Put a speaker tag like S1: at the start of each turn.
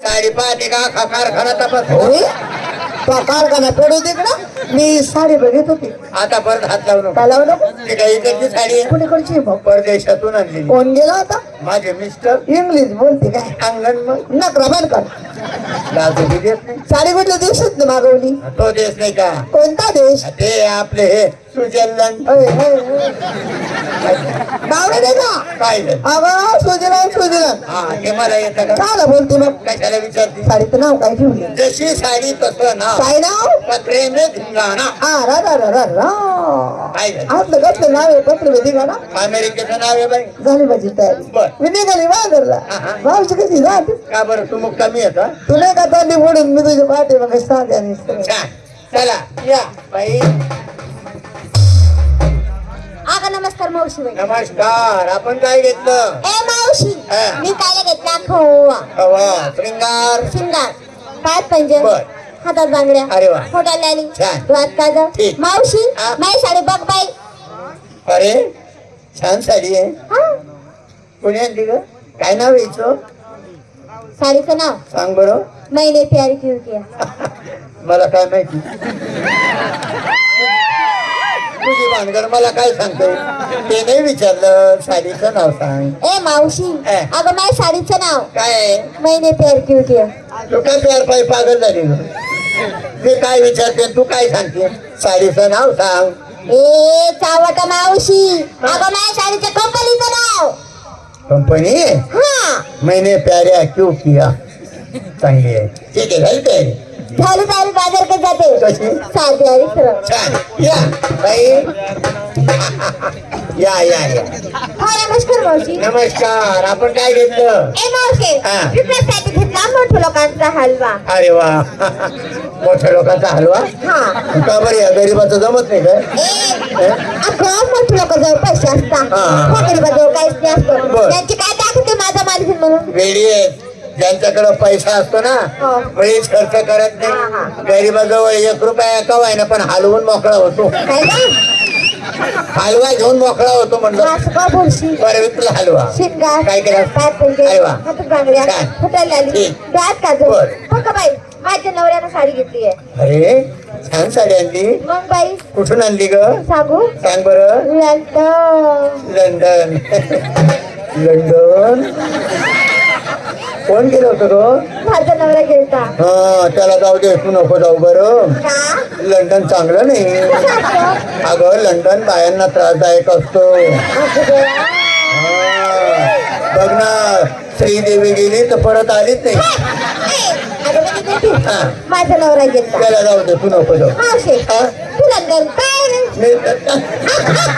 S1: साडी पाहते का कारखाना तपास
S2: तो कारखाना पडू तिकडं मी साडी बघित होती.
S1: आता परत हात लावू नको.
S2: काय लावू नको?
S1: ती काही इकडची साडी आहे
S2: कुणीकडची भाऊ
S1: परदेशातून आणली
S2: कोण गेला होता?
S1: माझे मिस्टर
S2: इंग्लिश बोलते काय
S1: अंगण मग
S2: नकरा बंद कर.
S1: लाजू बी देत नाही.
S2: साडी कुठल्या दिवसात मागवली?
S1: तो देश नाही का
S2: कोणता देश?
S1: ते आपले हे स्वित्झर्लंड
S2: बावडे दे का?
S1: काय झालं?
S2: अगं सुजलन सुजलन
S1: हा ते मला येतं का
S2: काय बोलते मग?
S1: कशाला विचारते
S2: साडीचं नाव काय ठेवलं?
S1: जशी साडी तसं ना
S2: काय नाव?
S1: पत्रे में धिंगाणा
S2: रा रा रा रा रा.
S1: काय झालं
S2: आपलं कसलं नाव आहे पत्र वेदी का ना?
S1: अमेरिकेचं नाव आहे बाई
S2: झाली माझी तयारी.
S1: बर.
S2: मी निघाली बाजारला.
S1: हा.
S2: मावशी कशी जात?
S1: का बरं तू मग कमी येत
S2: तू नाही का तोंडी फोडून मी तुझी पाठी मग सांगते आणि
S1: छान चला या बाई
S3: आगा नमस्कार मावशी बाई.
S1: नमस्कार आपण काय घेतलं
S3: ए मावशी
S1: हा.
S3: मी कायला घेतला खोवा
S1: हवा श्रृंगार
S3: शिंगार पायात पंजन
S1: बर.
S3: हातात बांगड्या
S1: अरे वा.
S3: फोटाला आली
S1: छान.
S3: डोळ्यात काजळ
S1: ठीक.
S3: मावशी
S1: हा.
S3: माझी साडी बघ बाई.
S1: अरे छान साडी आहे
S3: हा.
S1: कोणी आणली ग काय नाव यायचं
S3: साडीचं नाव
S1: सांग बरं
S3: मैंने प्यार क्यों किया.
S1: मला काय माहिती तुझी भानगड मला काय सांगते ते नाही विचारलं साडीचं नाव सांग
S3: ए मावशी
S1: हा.
S3: अगं माझ्या साडीचं नाव
S1: काय आहे?
S3: मैंने प्यार क्यों किया.
S1: तू काय प्यार पाय पागल झाली ग मी काय विचारते तू काय सांगते साडीचं नाव सांग
S3: ए चावटा मावशी अगं माझ्या साडीच्या कंपनीचं नाव.
S1: कंपनी
S3: हा
S1: मैंने प्याऱ्या क्यों किया चांगली आहे ठीक आहे झाली तयारी
S3: झाली तयारी बाजार कडे जाते
S1: कशी
S3: साधी आणि सरळ.
S1: छान या बाई या या या
S3: हा नमस्कार मावशी.
S1: नमस्कार आपण काय घेतलं
S3: ए मावशी
S1: हा.
S3: विकण्यासाठी घेतला मोठ्या लोकांचा हलवा.
S1: अरे वा मोठ्या लोकांचा हलवा
S3: हा
S1: का बरं या गरीबाचं जमत नाही काय
S3: ए अगं मोठ्या लोकांजवळ पैसे असतात
S1: हा.
S3: त्या गरीबाजवळ काहीच नाही असतं.
S1: बर.
S3: त्यांची काय दाखवते माझा मालकीन म्हणून.
S1: वेडी आहेत ज्यांच्याकडे पैसा असतो ना
S3: हो.
S1: वेळीच खर्च करत
S3: हा,
S1: नाही गरीबाजवळ 1 रुपया कवाय ना पण हलवून मोकळा होतो
S3: काय का
S1: हलवा घेऊन मोकळा होतो म्हणलं
S3: असं का बोलशी.
S1: बरं विकला हलवा
S3: शिंगार
S1: काय केलं?
S3: पायात पंजे
S1: अरे वा.
S3: हातात बांगड्या
S1: छान.
S3: फुटायला आली
S1: ठीक.
S3: डोळ्यात काजळ.
S1: बर.
S3: हो का बाई माझ्या नवऱ्यानं साडी घेतली आहे.
S1: अरे छान साडी आणली
S3: मग बाई
S1: कुठून आणली ग
S3: सांगू
S1: सांग बरं
S3: लंडन.
S1: लंडन लंडन कोण गेलं होतं ग
S3: माझा नवरा गेलता.
S1: हा त्याला जाऊ दे तू नको जाऊ बरं
S3: का
S1: लंडन चांगलं नाही
S3: कसं असतं?
S1: अगं लंडन बायांना त्रासदायक असतो
S3: असं देवा.
S1: बघ ना श्रीदेवी गेली तर परत आलीच नाही
S3: अगं बाई बेटी,
S1: हा.
S3: माझा नवरा गेलता.
S1: त्याला जाऊ दे तू नको जाऊ
S3: मावशी
S1: हा?
S3: तू लंडन काय रे?
S1: मी-